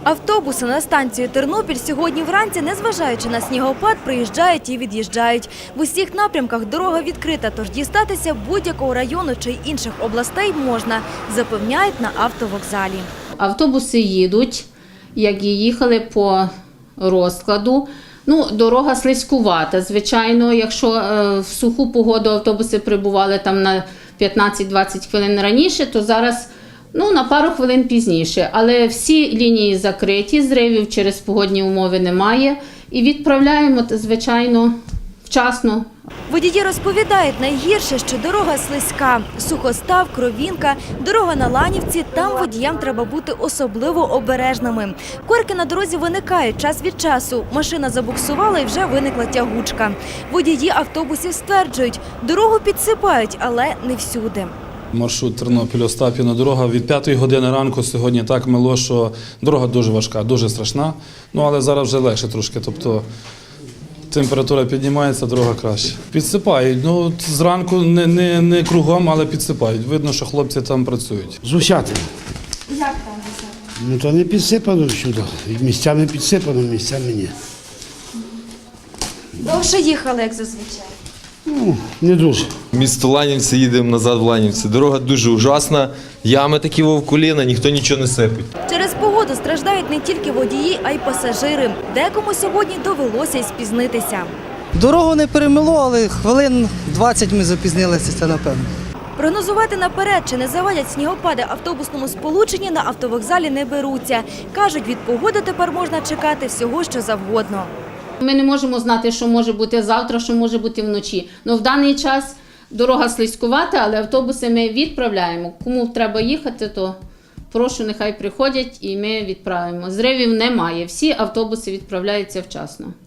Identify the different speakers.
Speaker 1: Автобуси на станцію Тернопіль сьогодні вранці, незважаючи на снігопад, приїжджають і від'їжджають. В усіх напрямках дорога відкрита, тож дістатися будь-якого району чи інших областей можна, запевняють на автовокзалі.
Speaker 2: Автобуси їдуть, як і їхали по розкладу. Дорога слизькувата. Звичайно, якщо в суху погоду автобуси прибували там на 15-20 хвилин раніше, то зараз на пару хвилин пізніше. Але всі лінії закриті, зривів через погодні умови немає. І відправляємо, звичайно, вчасно.
Speaker 1: Водії розповідають, найгірше, що дорога слизька. Сухостав, Кровінка, дорога на Ланівці – там водіям треба бути особливо обережними. Корки на дорозі виникають час від часу. Машина забуксувала і вже виникла тягучка. Водії автобусів стверджують, дорогу підсипають, але не всюди.
Speaker 3: Маршрут Тернопіль-Остапівна дорога від 5 години ранку сьогодні так мило, що дорога дуже важка, дуже страшна. Але зараз вже легше трошки, тобто температура піднімається, дорога краще. Підсипають, зранку не кругом, але підсипають. Видно, що хлопці там працюють.
Speaker 4: Зусятин.
Speaker 1: Як там високо?
Speaker 4: То не підсипано всюди. Місцями підсипано, місцями ні.
Speaker 1: Довше їхали, як зазвичай.
Speaker 4: Не дуже.
Speaker 5: Місто Ланівці, їдемо назад в Ланівці. Дорога дуже ужасна, ями такі вовкуліна, ніхто нічого не сипить.
Speaker 1: Через погоду страждають не тільки водії, а й пасажири. Декому сьогодні довелося й спізнитися.
Speaker 6: Дорогу не перемило, але хвилин 20 ми запізнилися, це напевно.
Speaker 1: Прогнозувати наперед, чи не завадять снігопади автобусному сполученні, на автовокзалі не беруться. Кажуть, від погоди тепер можна чекати всього, що завгодно.
Speaker 2: Ми не можемо знати, що може бути завтра, що може бути вночі. В даний час дорога слизькувата, але автобуси ми відправляємо. Кому треба їхати, то прошу, нехай приходять і ми відправимо. Зривів немає, всі автобуси відправляються вчасно.